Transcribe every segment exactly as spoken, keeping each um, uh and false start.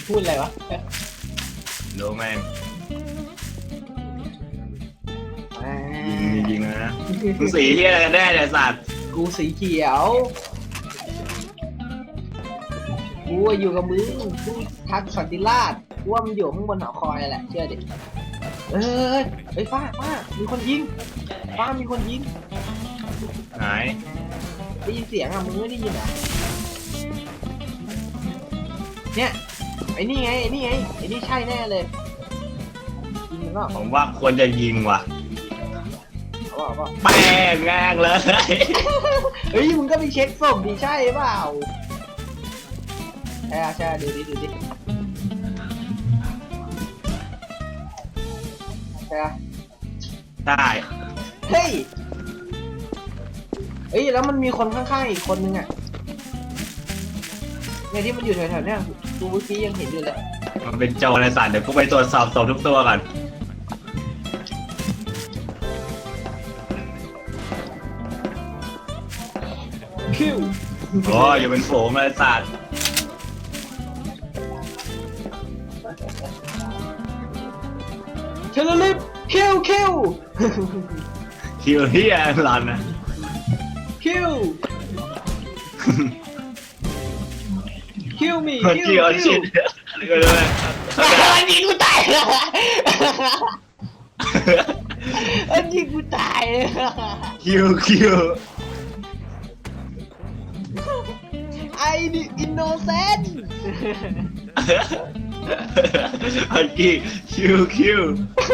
พูดอะไรวะดูแม่งอ่ายิงจริงๆนะมึงสีที่อะไรกันแน่เนี่ยสัตว์กูสีเขียว กูอะอยู่กับมึงกูทักสันติราชกูว่ามันอยู่ข้างบนหอคอยแหละเชื่อดิเอ้ยเฮ้ยฟ้าฟ้ามีคนยิงฟ้ามีคนยิงหายได้ยินเสียงอ่ะมึงไม่ได้ยินเหรอเนี่ยไอ้นี่ไงไอ้นี่ไงไอ้นี่ใช่แน่เลยยิงมันก็ผมว่าควรจะยิงว่ะเอาเปล่าแป้งแงงเลยเฮ้ยมึงก็ไปเช็คศพดิใช่เปล่าใช่ใช่ดูดิดูดิใช่ได้เฮ้ยเฮ้ยแล้วมันมีคนข้างๆอีกคนนึงอ่ะเนี่ยที่มันอยู่แถวๆเนี่ยกูเมื่อกี้ยังเห็นอยู่เลยมันเป็นโจรในสัตว์เดี๋ยวกูไปตรวจสอบศพทุกตัวก่อนคิวโอ้ยอย่าเป็นฝูงเลยสัตว์เทเลลิฟคิวคิวคิวเฮียหลอนนะคิวคิวมีคิวคิวคิชิวดก็เลยอันนี้กูตายแล้วอันนี้กูตายคิวคิวไอ้นี่อินโนเซนต์อันกี้คิวคิว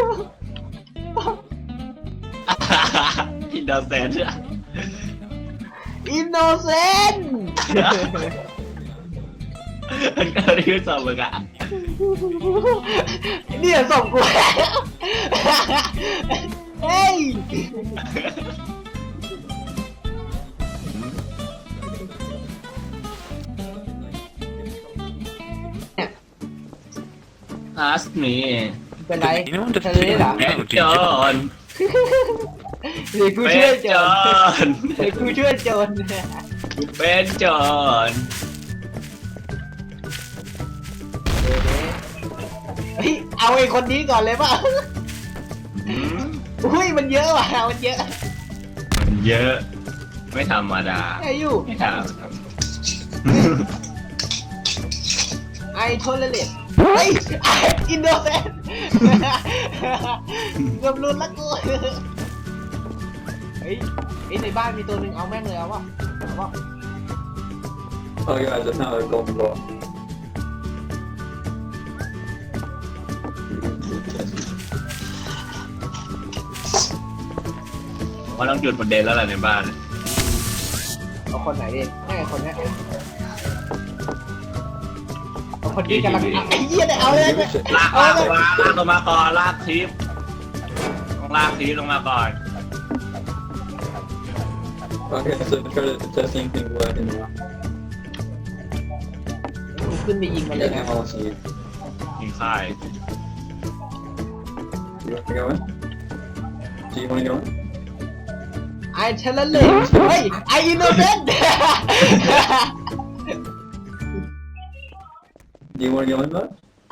อินโดเซนต์อินโนเซนต์อันก็ได้ยินสอบมึงอ่ะเนี่ยส่งกูแล้วเฮ้ยเนี่ยอาสมีเป็นไร You know what the ทะเลเหรอ thing เป็น is โจ about รเดี๋ยวกูเป็ช่วยนโจโจรรเดี๋ยวกูช่วยโจรเป็นโจรเฮ้ยเอาไอ้คนนี้ก่อนเลยป่ะอืมอุ้ยมันเยอะว่ะมันเยอะมันเยอะ ไม่ธรรมดาไอ้อยู่ไม่ธรรมดาไอโทเลเลตเฮ้ยไออินโดเซนเกือบรุนละกูเฮ้ยไอในบ้านมีตัวหนึ่งเอาแม่งเลยเอาวะเอาวะ Oh yeah, I just now a golden ball. ว่าต้องจุดประเด็นแล้วแหละในบ้านเอาคนไหนดิไม่ไอคนเนี้ยเอาคนนี้กำลังไอ้เหี้ยเนี่ยเอาเลย Give a shit. ลากลากลงมาลากลงมาก่อนลากทีมต้องลากทีมลงมาก่อน Okay, so try to test anything black in now. ขึ้นไปยิงมันเลย Yeah, นะ I'll see you. ยิงค่าย You want to go in? Do you want to go in? ไอเทเลเลตเฮ้ยไออินโดเซน Do you want to go in, bud?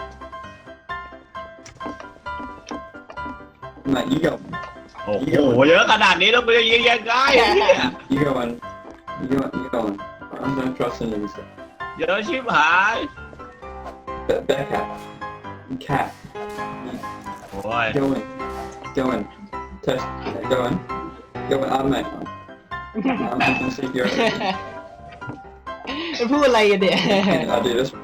Matt, you go. โอ้โหเยอะขนาดนี้แล้วกูจะยิงยังไงเนี่ย You go in. You go. You go in. I'm not trusting you. So. เยอะชิบหาย That, that cat. Cat. โอ้ย Go in. Go in. Test. Go in. Go in. I'm Matt. I'm gonna see your. พูดอะไรกันเนี่ย I'll do this.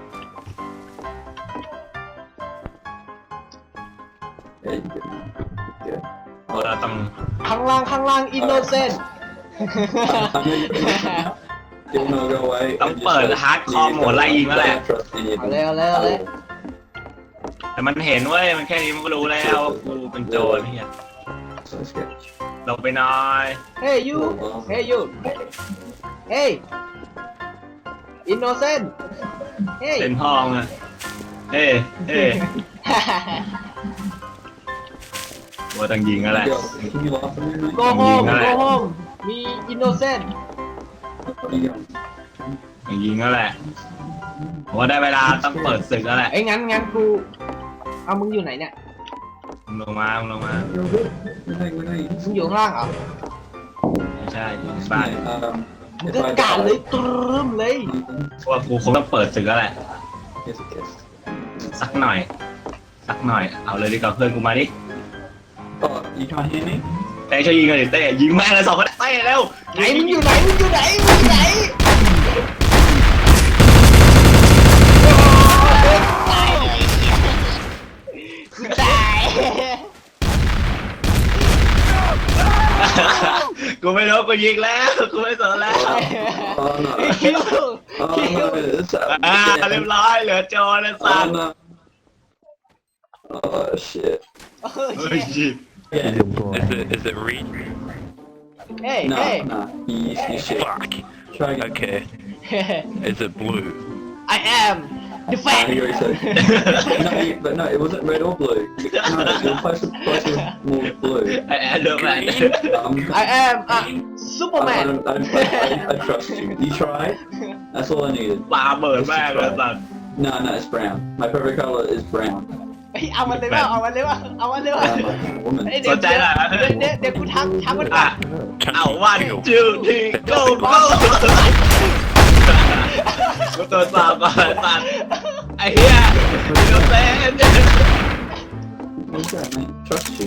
Yeah, you good. Good. เราต้องข้างล่างข้างล่างอินโนเซน You wanna go away? ต้องเปิดฮาร์ดคอร์โหมดไล่ยิงแล้วแหละเอาเลยเอาเลยเอาเลยแต่มันเห็นเว้ยมันแค่นี้มันก็รู้แล้วว่ากูเป็นโจรเนี่ย So sketch. ลงไปหน่อยเฮ้ยยูเฮ้ยยูเฮ้ยอินโนเซนเฮ้ยเป็นห้องอะเฮ้เฮ้ว่าต้องยิงแล้วแหละ Yo, can you laugh at me, mate? โกโฮมยิงอะไรโกโฮมมีอินโนเซน You go. ต้องยิงแล้วแหละผมว่าได้เวลาต้องเปิดศึกแล้วแหละไอ้ยงั้นงั้นกูเอามึงอยู่ไหนเนี่ยมึงลงมามึงลงมา We're doing, we're doing. มึงอยู่ข้างล่างเหรอไม่ใช่อยู่ในบ้าน Um, มึง if ก็ I กาดเลย die- ตรึมเลยเพราะว่ากูคงต้องเปิดศึกแล้วแหละ Yes, yes. สักหน่อย สักหน่อย เอาเลยดีกว่าเพื่อนกูมาดิ Oh, you can't hear me? เต้ช่วยยิงกันดิเต้ยิงแม่งเลยสองคนเต้เร็วไหนมึงอยู่ไหนมึงอยู่ไหนมึงอยู่ไหนตายเลยกูตายกูไม่รู้กูยิงแล้วกูไม่สนแล้ว Oh no. คิว Oh คิว no. It's อ่าเรียบร้อยเหลือโจรแล้วสั Oh ตว์ no. Oh shit. โอ้เฮ้ยยยิง Yeah. Is it is it read? เฮ้ย No, เฮ้ย no. You, you shit. Fuck. Try again. Okay. Is it blue? I am the No, fan he already said. No, you- but no, it wasn't red or blue. No, you're supposed to place it more blue. ไอ้แอนเดอร์แมน Um, I am a I, I, Superman don't, I, don't, I, I trust you. You tried. That's all I needed. ปาเบิดแม่งเลยสัตว์ No, no, it's brown. My favorite color is brown. เฮ้ยเอามันเลยว่าเอามันเลยว่าเอามันเลยว่า I'm like a woman. เดี๋ยวเดี๋ยวเดี๋ยวเดี๋ยวเดี๋ยวกูทักทักมันก่ออ่ะนเอาวันจูทีโก้โก้กูตัวสาวก่อนสัตว์ไอ้เหี้ยอินโนเซนต์ What's that, mate? Trust you.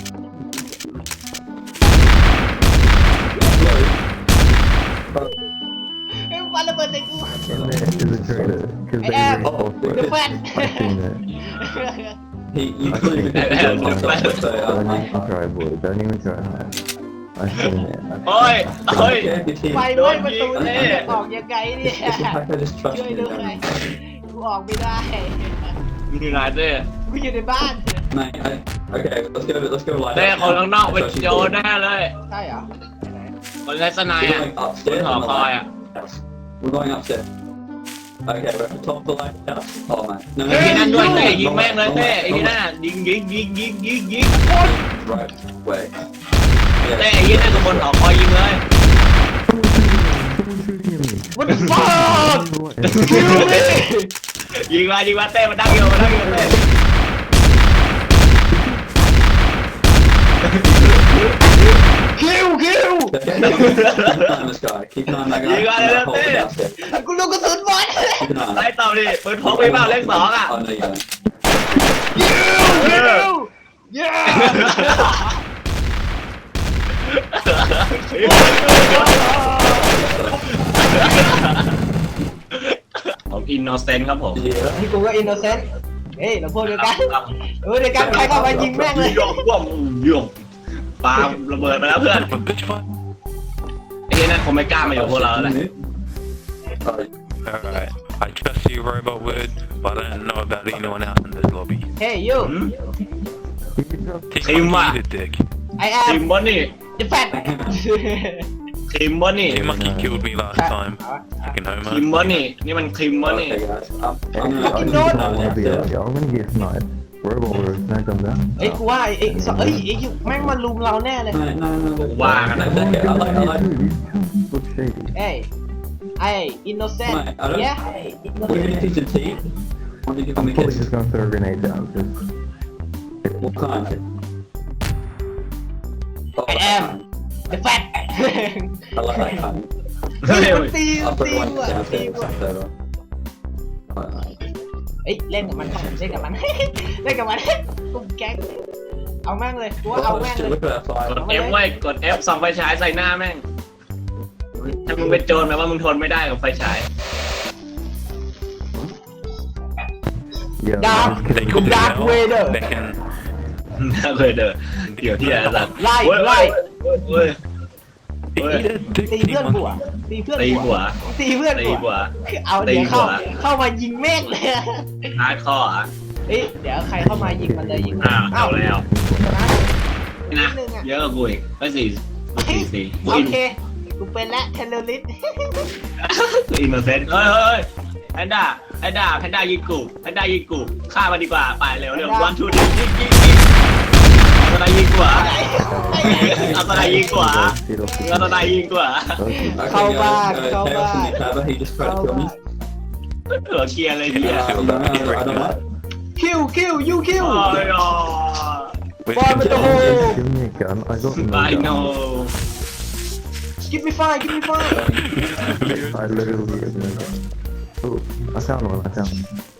เฮ้ยมันระเบิดใส่กู And that is a traitor because they I am reinforced the it. fan I've seen that. He, you I couldn't think even it's get the job Don't myself, so don't I'm even try, boy. Don't even try hard. I've seen that. โอ้ยโอ้ย like, ไฟ if ไหม้ประตูเนี่ยออกยังไงเนี่ย I just trust ช่วย you, ด้วย don't กูออกไม่ได้มึงอยู่ไหนเต้กูอยู่ในบ้าน mate. I, okay, let's go. Let's go light เต้ up. คนข้างนอกเป็น Trust you โจร fully. แน่เลยใช่เหรอคนไร้สนาย We're อ่ะ going บน upstairs หอ on the คอยอ่ะ lighthouse. We're going upstairs. Okay, we're at the top of the lighthouse. Oh man. No, ไอ้ที่นั่นด้วยเต้ wrong ยิง way, แม่งเลย wrong เต้ way, ไอ้ wrong ที่ way. นั่นน่ะยิงยิงยิงยิงยิงยิง Right way. เต้ Yeah. ไอ้ที่นั่นกับบนหอคอยยิงเลย Someone shooting at me. What the fuck Kill me ยิงมายิงมาเต้มันดังอยู่มันดังอยู่เต้คิวคิว Keep an eye on this guy. Keep an eye on that guy. You got it, That hole that's it. downstairs. กูลูกกระสุนบอล Keep an eye on ไล่ it. ต่อดิปืนพกมีเปล่าเลขสองอ่ะ Oh no, you don't. คิวเย้ผมอินโนเซนต์ครับผม Yeah. นี่กูก็อินโนเซนต์เฮ้ยเราพวกเดียวกันเออเดียวกันใครเข้ามายิงแม่งเลยโยงว่วงโยงปาระเบิดไปแล้วเพื่อน But bitch, what? ไอ้ที่นั่นคงไม่กล้ามาอยู่กับพวกเราแล้วแหละ Oh, Alright. I trust you, Robot Word, but I don't know about anyone else in this lobby. เฮ้ยยูหืม Kick Team my what? the dick. I ที am มบอนนี่ the fan ทีมบอนนี่ Team Monkey killed me last time. Fucking ทีม homo. บอนนี่นี่มันทีมบอนนี่ okay, guys. I'm, I'm I gonna. Fucking just don't. don't want to be out. Y'all gonna get sniped. Robot Wars, not come down. เฮ้ยกูว่าไอ้ไอ้สเอ้ยไอ้ยูแม่งมาลุมเราแน่เลย No, no, no. no. Wow. It's okay. I like, I like. Dude, these chunks look shady. เอ้ยไอ้อินโนเซนต์ Mate, I don't- เย้ What do you think of tea? What do you think of I'm the probably kids? just gonna throw grenades out. Just What kind? Oh, I that am. kind. the fan I like that kind. เฮ้ยมันตี I'll ตี put one ว่ะตี downstairs. ว่ะ It's over. Alright. เฮ้ยเล่นกับมันก่อนเล่นกับมัน เล่นกับมันกุมแก๊งเอาแม่งเลยกูว่าเอา Well, แม่ง let's เลย look at that ก fire. ด F ไว้กด F ส่องไฟฉายใส่หน้าแม่ง ถ้ามึงเป็นโจรแปลว่ามึงทนไม่ได้กับไฟฉาย yeah. Dark. I'm just They kidding. called me Dark now. Vader. They can. น่าเคยเด้อเดี๋ยวที่อะไรสัตว์ไล่เว้ยไล่เว้ย Eat Oi. a dick, ตี Team เพื่อนกู Monkey. อ่ะตีเพื่อนตีกูหัวอ่ะตีเพื่อนตีกูหัวอ่ะเอาเดี๋ยวตีหัเข้าว เข้ามายิงแม่งเลยฮาร์ดคอร์อ่ะเฮ้ยเดี๋ยวใครเข้ามายิงมันเลยยิงมันอ้าวเอาแล้วนะนะนิดนึงอ่ะเยอะกว่ากูอีกไม่สี่กูสี่สี่กูโออินเคกูเป็นและเทเลลิสกูอินโนเซนต์เฮ้ยเฮ้ยแพนด้าแพนด้าแพนด้ายิงกูแพนด้ายิงกูฆ่ามันดีกว่าไปเร็วเร็ววันทูดิยิงยิงยิงเอาตะไนยิงกว่าเอาตะไนยิงกว่าเอาตะไนยิงกว่า Okay. Okay, Come guys, back, uh, come Chaos in back. the cover, he just tried to kill me. หัวเคลียร์เลยเนี่ย I don't know. I don't know. คิวคิวยูคิวโอ้ยอ๋อ We've Fire with the hole. Give me a gun. I got no I gun. know give me five give me five I literally have no gun. Oh, I found one. I found one.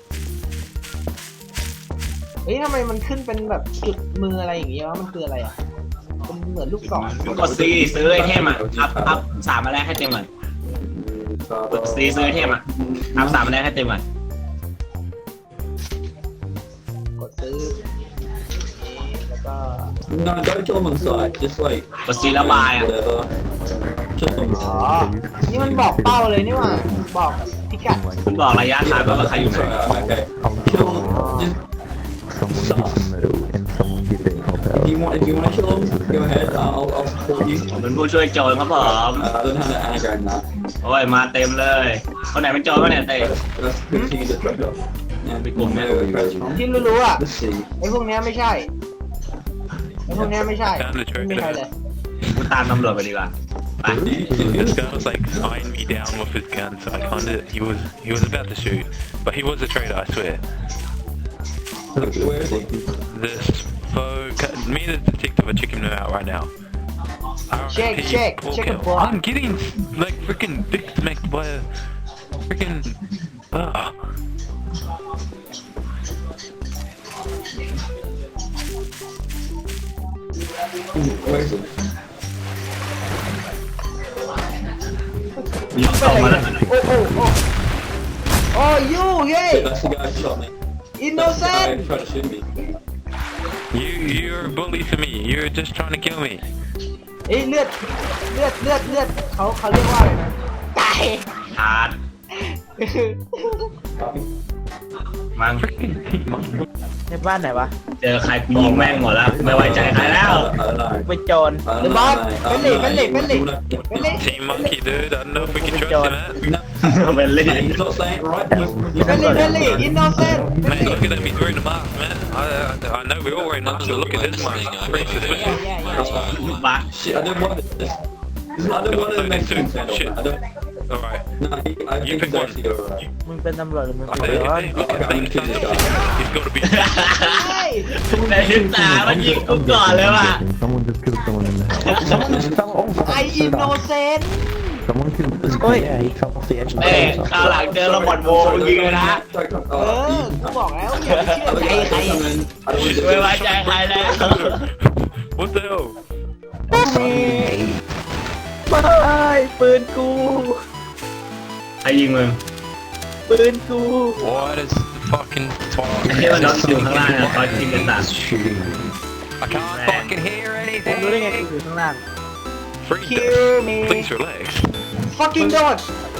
เฮ้ยทำไมมันขึ้นเป็นแบบจุดมืออะไรอย่างเงี้ยวะมันคืออะไรอ่ะเป็นเหมือนลูกศรกดซีซื้อไอเทมอ่ะอัพอัพสามมาแรกให้เต็มก่อนกดซีซื้อไอเทมอ่ะอัพสามมาแรกให้เต็มก่อนกดซื้อแล้วก็ No, don't kill them on sight. Just like กดซีระบายอ่ะ whatever. Just on อ๋อ sight. นี่มันบอกเป้าเลยนี่หว่าบอกพิกัดคุณบอกระยะทางว่าใครอยู่ไหน Sorry, okay. I'll Kill kill them. Just someone hit the middle and someone get their help out. if you want, if you want to kill them, go ahead. I'll, I'll support you. ผมเป็นผู้ช่วยโจรครับผม Uh, I don't have the anagram now. โอ้ยมาเต็มเลยคนไหนเป็นโจรก็เนี่ยเต้ That's good thing you just dropped off. Yeah, Big one, man. where you guys from? ที่รู้ๆอ่ะ Let's see. ไอ้พวกเนี้ยไม่ใช่ไอ้พวกเนี้ยไม่ใช่ Found the ไม่มีใครเลย traitor. กูตามตำรวจไปดีกว่าไป This guy was like eyeing me down with his gun, so I kind of he was he was about to shoot, but he was a traitor, I swear. Where is he? This folk, me and the detective are checking him out right now. Check, R I P, check, poor check girl. it, boy. I'm getting like freaking dick smacked by a freaking. Uh, Where is he? ยิงเข้ามาแล้วโอ้โอ้โอ้โอ้ยูเฮ้ Yeah, that's the guy who shot me. อินโน That's เซ the น guy who tried to shoot me. you you're a bully to me. You're just trying to kill me. เอ้ยเลือดเลือดเลือดเลือดเขาเขาเรียกว่าอะไรนะตายทานมั้งในบ้านไหนวะเจอใครกูยิงแม่งหมดแล้วไม่ไว้ใจใครแล้ว I don't know. ไปโจร I เด don't บอ know, ส mate. เป็น I เหล็ก don't เป็นเหล็ก know. เป็นเหล็ก You wanna- เป็นเหล็ก Team monkey, dude. I don't know if we can trust John. him, man. No, เป็นเล่น he's not saying it right. เป็นเหล็กเป็นเหล็กอินโนเซน Man, look at him. He's wearing a mask, man. I, I, I know we're all wearing masks, but look at this one. Pretty suspicious. บัก Shit, I don't want this. I don't want to make him stand up. I don't. All right. No, he, I You think pick he's one. actually alright. มึงเป็นตำรวจหรือมึง I เป็น think, โจร hey, look at I'm that. kidding, guys. He's got to be. ใช่ในทิศตามันยิงกูก่อนเลยว่ะ Someone just killed someone in the house. Someone just fell off. ไออินโนเซน Someone killed this Oi. guy. Yeah, he fell off the edge of the เอ้ย house. คราวหลังเจอระเบิดโวยิงเลยนะเออกูบอกแล้วอย่าไปเชื่อใจใครไม่ไว้ใจใครแล้ว What the hell? ไม่ปืนกูใครยิงมึงปืนกู What is the fucking ไอ้ที่มันนอนอยู่ข้างล่างเนี่ยตอนยิงกันตา Shooting me. I can't fucking hear ผมรู้ได้ไงกู anything. อยู่ข้างล่าง Freeze. Kill me. Please relax. fucking god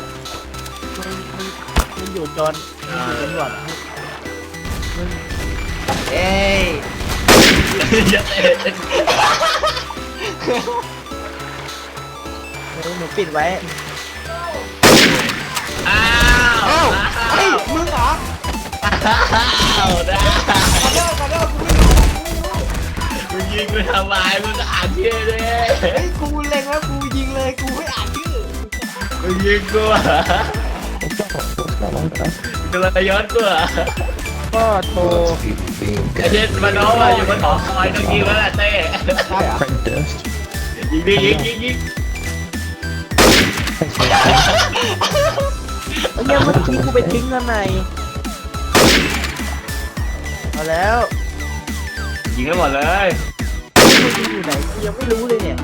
มึงอยู่โจรมึงอยู่ตำรวจเอ้ยอย่าเตะเฮ้ยหนูปิดไว้อ้าวเอ้าเฮ้ยมึงเหรออ้าวได้ขอโทษขอโทษกูไม่รู้มึงยิงกูทำไมมึงก็อ่านชื่อเลยเฮ้ยกูเล็งแล้วกูยิงเลยกูไม่อ่านชื่อมึงยิงกูอ่ะกำลังจะย้อนกูอ่ะก็โทรไอ้เช่นมันน้องอ่ะอยู่บนหอคอยต้องยิงแล้วแหละเต้ใช่เหรอยิงดิยิงยิงยิงเอาเนี่ยเมื่อกี้กูไปทิ้งข้างในเอาแล้วยิงให้หมดเลยมึงอยู่ไหนกูยังไม่รู้เลยเนี่ย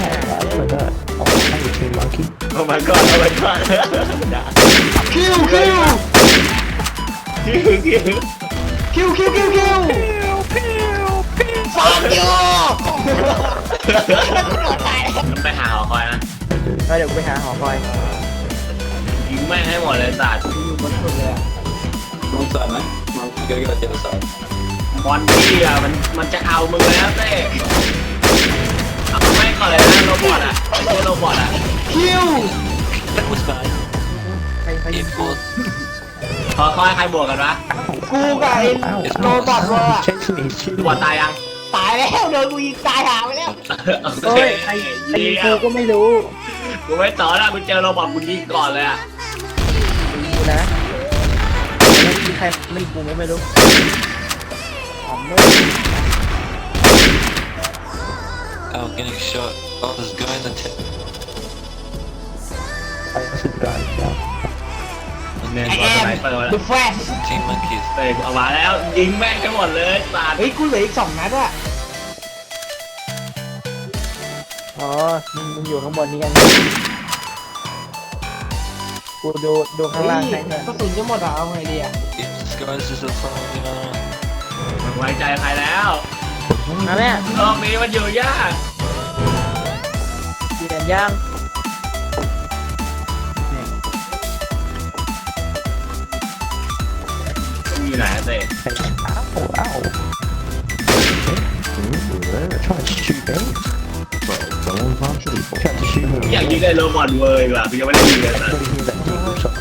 โอ้ my god โอ้ my god คิวคิวคิวคิวคิวคิวคิวคิวฟังยูไปหาหอคอยนะเอาเดี๋ยวกูไปหาหอคอยยิงแม่งให้หมดเลยสัตว์อยู่บนสุดเลยอะ Wrong side, mate. Wrong- You gotta go to the other side. บอลที่อ่ะมันมันจะเอามึงแล้วเต้เอาไม่ก่อนเลยนะโรบอทอ่ะไอ้ตัวโรบอทอ่ะคิวใครใครยิงกูขอคอยใครบวกกันวะกูกับไอ้โรบอทเวอร์อะบอลตายยังตายแล้วโดนกูยิงตายหาไปแล้วโอ้ยใครใครยิงกูก็ไม่รู้กูไม่ต่อแล้วกูเจอโรบอทกูยิงก่อนเลยอ่ะกูนะใครไม่กูไม่รู้หอมเลย Oh, getting shot. Oh, there's a guy in the tent. I should die now. เนี่ยไอตัวแอสมไนเปอร์แล้ว The Flash Team monkeys. เตะออกมาแล้วยิงแม่งทั้งหมดเลยสาดเฮ้ยกูเหลืออีกสองนัดอะอ๋อมึงมึงอยู่ข้างบนนี้กันกูดูดูข้างเฮ้ล่างยให้เพื่อนกระสุนจะหมดอะเอาไงดีอะ If this guy's just a phone, you know. ไม่ไว้ใจใครแล้วมาแม่โลกนี้มันอยู่ยากเปลี่ยนย่างอยู่ไหนอะเต้ Ow, ow. Okay. Try to shoot me. Well, someone's not shooting. Try to shoot me. อยากยิงไอ้โรบอทเวอร์ดีกว่ากูยังไม่ได้ยิงเลยนะ What do you hear that deagle shot?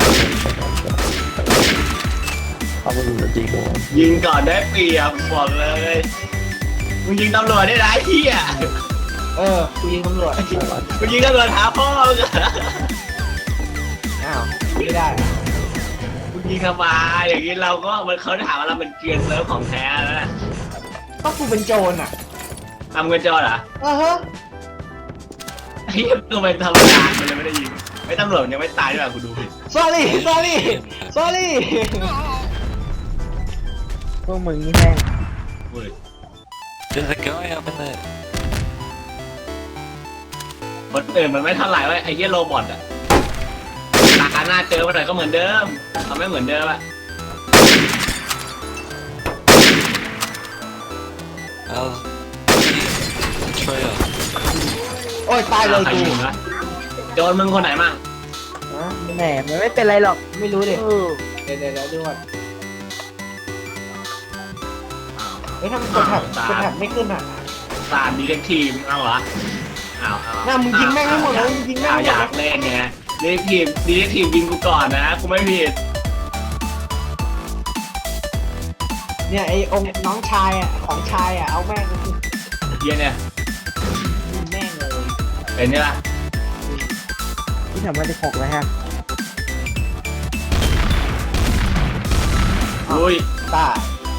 I wasn't the deagle one. ยิงก่อนได้เปรียบบอกเลยมึงยิงตำรวจได้ไรเฮียเออกูยิงตำรวจมึงยิงตำรวจหาพ่อมึงอะอ้าวไม่ได้มึงยิงทำไมอย่างนี้เราก็มันเขาถามว่าเราเป็นเกรียนเซิร์ฟของแท้แล้วนะก็กูเป็นโจรอะทำเงินจอเหรอเออฮะไอ้เหี้ยกูเป็นธรรมดามันเลยไม่ได้ยิงไอ้ตำรวจยังไม่ตายด้วยกูดูผิด sorry sorry sorry พวกมึงนี่แม่งเว้ย There's a guy up in there. คนอื่นมันไม่เท่าไหร่เว้ยไอ้เหี้ยโรบอทอะตาหน้าเจอมาหน่อยก็เหมือนเดิมเขาไม่เหมือนเดิมอะ How's the trailer? โอ้ยตายเลยใครกูยิงวะโจรมึงคนไหนมั่งฮะแหมมันไม่เป็นไรหรอกไม่รู้ดิเออเดี๋ยวเดี๋ยวเดี๋ยวดูก่อนเฮ้ยทำไมกดแท็บกดแท็บไม่ขึ้นอะสามดีเล็กทีมเอาเหรอเอาเอาน่ามึงยิงแม่งให้หมดเลยมึงยิงแม่งเอาให้หมอดยากเลยเล่นไงดีเล็กทีมดีเล็กทีมยิงกูก่อนนะกูไม่ผิดเนี่ยไอ้องค์น้องชายอะของชายอะเอาแม่งเหี้ยเนี่ยยิงแม่งเลยเป็นไงล่ะที่ทำมาสิบหกแล้วฮะอุ้ยตา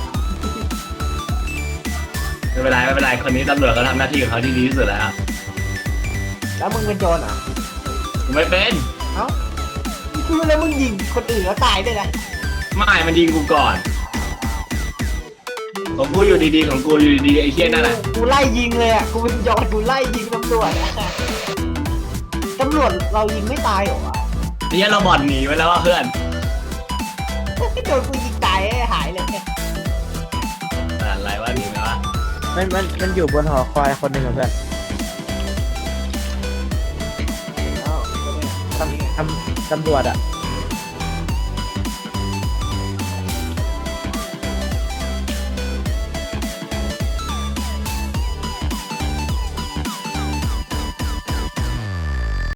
ไม่เป็นไรไม่เป็นไรคนนี้ตำรวจเขาทำหน้าที่ของเขาที่ดีที่สุดแล้วแล้วมึงเป็นโจรเหรอกูไม่เป็นเอ้าคือแล้วมึงยิงคนอื่นแล้วตายด้วยนะไม่มันยิงกูก่อนของกูอยู่ดีๆของกูอยู่ดีๆไอ้เหี้ยนั่นแหละกูไล่ยิงเลยอ่ะ กูเป็นโจรกูไล่ยิงตำรวจอะตำรวจเรายิงไม่ตายเหรอวะไอ้เหี้ยเราบอดหนีไปแล้วว่าเพื่อนโดนกูยิงตายหายเลยอะไรวะหนีไปวะมันมันมันอยู่บนหอคอยคนหนึ่งเหมือนกันเอ้าตำตำตำรวจอ่ะ